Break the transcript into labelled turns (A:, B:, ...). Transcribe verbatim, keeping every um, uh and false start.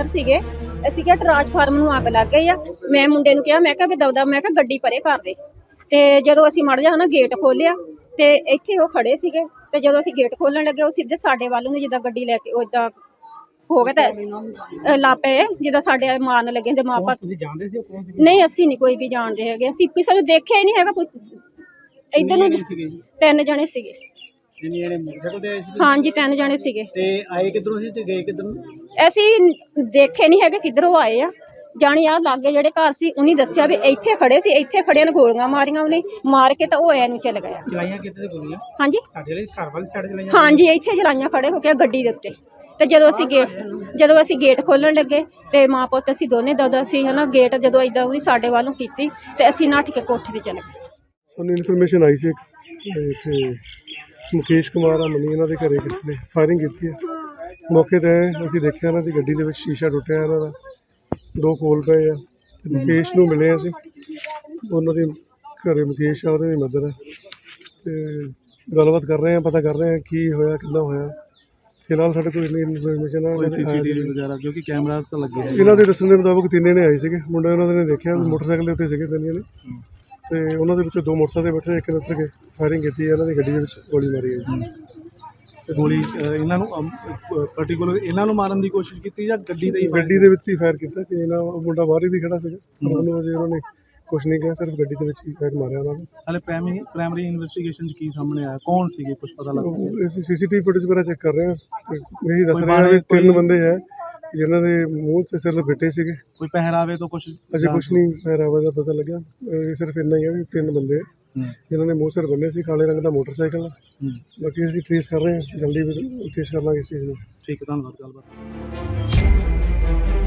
A: ਬਾਹਰ ਸੀਗੇ। ਅਸੀਂ ਕਿਹਾ ਟਰਾਂਸਫਾਰਮ ਨੂੰ ਅੱਗ ਲੱਗ ਗਈ ਆ। ਮੈਂ ਮੁੰਡੇ ਨੂੰ ਕਿਹਾ, ਮੈਂ ਕਿਹਾ ਵੀ ਦਵਦਾ, ਮੈਂ ਕਿਹਾ ਗੱਡੀ ਪਰੇ ਕਰ ਦੇ। ਤੇ ਜਦੋਂ ਅਸੀਂ ਮੜ ਜਾ ਨਾ ਗੇਟ ਖੋਲਿਆ ਤੇ ਇੱਥੇ ਉਹ ਖੜੇ ਸੀਗੇ। ਤੇ ਜਦੋਂ ਅਸੀਂ ਗੇਟ ਖੋਲਣ ਲੱਗੇ ਉਹ ਸਿੱਧੇ ਸਾਡੇ ਵੱਲ ਨੂੰ ਜਿੱਦਾਂ ਗੱਡੀ ਲੈ ਕੇ ਉਦਾਂ ਹੋ ਗਿਆ ਤਾਂ ਲਾਪੇ ਜਿੱਦਾਂ ਸਾਡੇ ਮਾਰਨ ਲੱਗੇ ਤੇ ਮਾਪਾ।
B: ਤੁਸੀਂ ਜਾਣਦੇ ਸੀ ਕੌਣ ਸੀ?
A: ਨਹੀਂ, ਅਸੀਂ ਨਹੀਂ ਕੋਈ ਵੀ ਜਾਣਦੇ ਹੈਗੇ। ਅਸੀਂ ਕਿਸੇ ਨੂੰ ਦੇਖਿਆ ਹੀ ਨਹੀਂ ਹੈਗਾ। ਕੋਈ ਇੱਧਰ ਨੂੰ ਤਿੰਨ ਜਣੇ ਸੀਗੇ।
B: ਜਿੰਨੇ ਜਣੇ ਮੋਟਰਸਾਈਕਲ ਤੇ ਆਏ ਸੀ?
A: ਹਾਂਜੀ, ਤਿੰਨ ਜਣੇ ਸੀਗੇ।
B: ਤੇ ਆਏ ਕਿੱਧਰੋਂ ਸੀ ਤੇ ਗਏ ਕਿੱਧਰ ਨੂੰ?
A: ਅਸੀਂ ਦੇਖੇ ਨਹੀਂ ਹੈਗੇ ਕਿੱਧਰੋਂ ਆਏ ਆ। ਜਾਣੀ ਆ ਲਾਗੇ ਜਿਹੜੇ ਘਰ ਸੀ ਉਹਨੇ ਦੱਸਿਆ ਵੀ ਇੱਥੇ ਖੜੇ ਸੀ, ਇੱਥੇ ਖੜਿਆਂ ਨੂੰ ਗੋਲੀਆਂ ਮਾਰੀਆਂ। ਉਹਨੇ ਮਾਰ ਕੇ ਤਾਂ ਉਹ ਐ ਨੂੰ ਚੱਲ ਗਿਆ।
B: ਚਲਾਈਆਂ ਕਿੱਥੇ ਤੇ ਗੋਲੀਆਂ?
A: ਹਾਂਜੀ,
B: ਸਾਡੇ ਵਾਲੇ ਘਰ ਵਾਲੀ ਸਾਈਡ ਚਲਾਈਆਂ?
A: ਹਾਂਜੀ, ਇੱਥੇ ਚਲਾਈਆਂ ਖੜੇ ਹੋ ਕੇ ਗੱਡੀ ਦੇ ਉੱਤੇ। ਤੇ ਜਦੋਂ ਅਸੀਂ ਗੇਟ ਜਦੋਂ ਅਸੀਂ ਗੇਟ ਖੋਲਣ ਲੱਗੇ ਤੇ ਮਾਂ ਪੁੱਤ ਅਸੀਂ ਦੋਨੇ ਦਾਦਾ ਸੀ ਹਨਾ। ਗੇਟ ਜਦੋਂ ਏਦਾਂ ਉਹਨੇ ਸਾਡੇ ਵੱਲੋਂ ਕੀਤੀ ਤੇ ਅਸੀਂ ਨੱਠ ਕੇ ਕੋਠੇ ਤੇ ਚਲੇ ਗਏ।
C: ਸਾਨੂੰ ਇਨਫੋਰਮੇਸ਼ਨ ਆਈ ਸੀ ਇੱਥੇ ਮੁਕੇਸ਼ ਕੁਮਾਰ ਆ ਮਨੀ ਇਹਨਾਂ ਦੇ ਘਰੇ ਕਿਸੇ ਨੇ ਫਾਇਰਿੰਗ ਕੀਤੀ ਹੈ। ਮੌਕੇ 'ਤੇ ਅਸੀਂ ਦੇਖਿਆ ਇਹਨਾਂ ਦੀ ਗੱਡੀ ਦੇ ਵਿੱਚ ਸ਼ੀਸ਼ਾ ਟੁੱਟਿਆ, ਇਹਨਾਂ ਦਾ ਦੋ ਖੋਲ ਪਏ ਆ। ਮੁਕੇਸ਼ ਨੂੰ ਮਿਲੇ ਅਸੀਂ, ਉਹਨਾਂ ਦੇ ਘਰੇ ਮੁਕੇਸ਼ ਆ, ਉਹਦੇ ਦੀ ਮਦਰ ਹੈ। ਅਤੇ ਗੱਲਬਾਤ ਕਰ ਰਹੇ ਹਾਂ, ਪਤਾ ਕਰ ਰਹੇ ਹਾਂ ਕੀ ਹੋਇਆ, ਕਿੱਦਾਂ ਹੋਇਆ। ਫਿਲਹਾਲ ਸਾਡੇ ਕੋਲ ਇੰਨੀ ਇਨਫੋਰਮੇਸ਼ਨ ਆ।
B: ਸੀਸੀਟੀਵੀ ਵਗੈਰਾ ਜੋ ਕਿ ਕੈਮਰਾਸ ਤਾਂ ਲੱਗੇ ਹੋਏ
C: ਇਹਨਾਂ ਦੇ ਦੱਸਣ ਦੇ ਮੁਤਾਬਕ ਤਿੰਨੇ ਨੇ ਆਏ ਸੀਗੇ। ਮੁੰਡੇ ਉਹਨਾਂ ਨੇ ਦੇਖਿਆ ਮੋਟਰਸਾਈਕਲ ਦੇ ਉੱਤੇ ਸੀਗੇ ਤਿੰਨੇ ਨੇ। ਤੇ ਉਹਨਾਂ ਦੇ ਵਿੱਚੋਂ ਦੋ ਮੋਟਰਸਾਈਕਲ 'ਤੇ ਬੈਠੇ, ਇੱਕ ਨੇ ਉੱਤਰ ਕੇ ਫਾਇਰਿੰਗ ਕੀਤੀ ਹੈ। ਇਹਨਾਂ ਦੀ ਗੱਡੀ ਦੇ ਵਿੱਚ ਗੋਲੀ ਮਾਰੀ ਹੈ।
B: ਗੋਲੀ ਇਹਨਾਂ ਨੂੰ ਪਾਰਟਿਕੂਲਰ ਇਹਨਾਂ ਨੂੰ ਮਾਰਨ ਦੀ ਕੋਸ਼ਿਸ਼ ਕੀਤੀ ਜਾਂ ਗੱਡੀ ਦੇ
C: ਗੱਡੀ ਦੇ ਵਿੱਚ ਹੀ ਫਾਇਰ ਕੀਤਾ ਕਿ ਇਹਨਾਂ ਮੁੰਡਾ ਬਾਹਰ ਹੀ ਵੀ ਖੜਾ ਸੀਗਾ। ਉਹਨੂੰ ਅਜੇ ਉਹਨਾਂ ਨੇ ਕੁਛ ਨਹੀਂ ਕਿਹਾ, ਸਿਰਫ ਗੱਡੀ ਦੇ ਵਿੱਚ ਹੀ ਫਾਇਰ ਮਾਰਿਆ ਉਹਨਾਂ ਨੇ।
B: ਹਾਲੇ ਪ੍ਰਾਇਮਰੀ ਪ੍ਰਾਇਮਰੀ ਇਨਵੈਸਟੀਗੇਸ਼ਨ 'ਚ ਕੀ ਸਾਹਮਣੇ ਆਇਆ? ਕੌਣ ਸੀਗੇ, ਕੁਛ ਪਤਾ ਲੱਗਾ?
C: ਅਸੀਂ ਸੀਸੀਟੀਵੀ ਫੁਟੇਜ ਵਗੈਰਾ ਚੈੱਕ ਕਰ ਰਹੇ ਹਾਂ। ਇਹੀ ਦੱਸ ਰਹੇ ਹਾਂ ਵੀ ਤਿੰਨ ਬੰਦੇ ਹੈ ਜਿਨ੍ਹਾਂ ਦੇ ਮੂੰਹ ਤੇ ਸਿਰ ਲਪੇਟੇ ਸੀਗੇ।
B: ਕੋਈ ਪਹਿਰਾਵੇ ਤੋਂ ਕੁਛ
C: ਅਜੇ ਕੁਛ ਨਹੀਂ ਪਹਿਰਾਵੇ ਦਾ ਪਤਾ ਲੱਗਿਆ। ਇਹ ਸਿਰਫ ਇੰਨਾ ਹੀ ਹੈ ਵੀ ਤਿੰਨ ਬੰਦੇ ਜਿਨ੍ਹਾਂ ਨੇ ਮੂੰਹ ਸਿਰ ਬੰਨੇ ਸੀ। ਕਾਲੇ ਰੰਗ ਦਾ ਮੋਟਰਸਾਈਕਲ। ਬਾਕੀ ਅਸੀਂ ਟ੍ਰੇਸ ਕਰ ਰਹੇ ਹਾਂ, ਜਲਦੀ ਟ੍ਰੇਸ ਕਰ ਲਾਂਗੇ ਇਸ ਚੀਜ਼ ਨੂੰ।
B: ਠੀਕ ਹੈ, ਧੰਨਵਾਦ। ਗੱਲਬਾਤ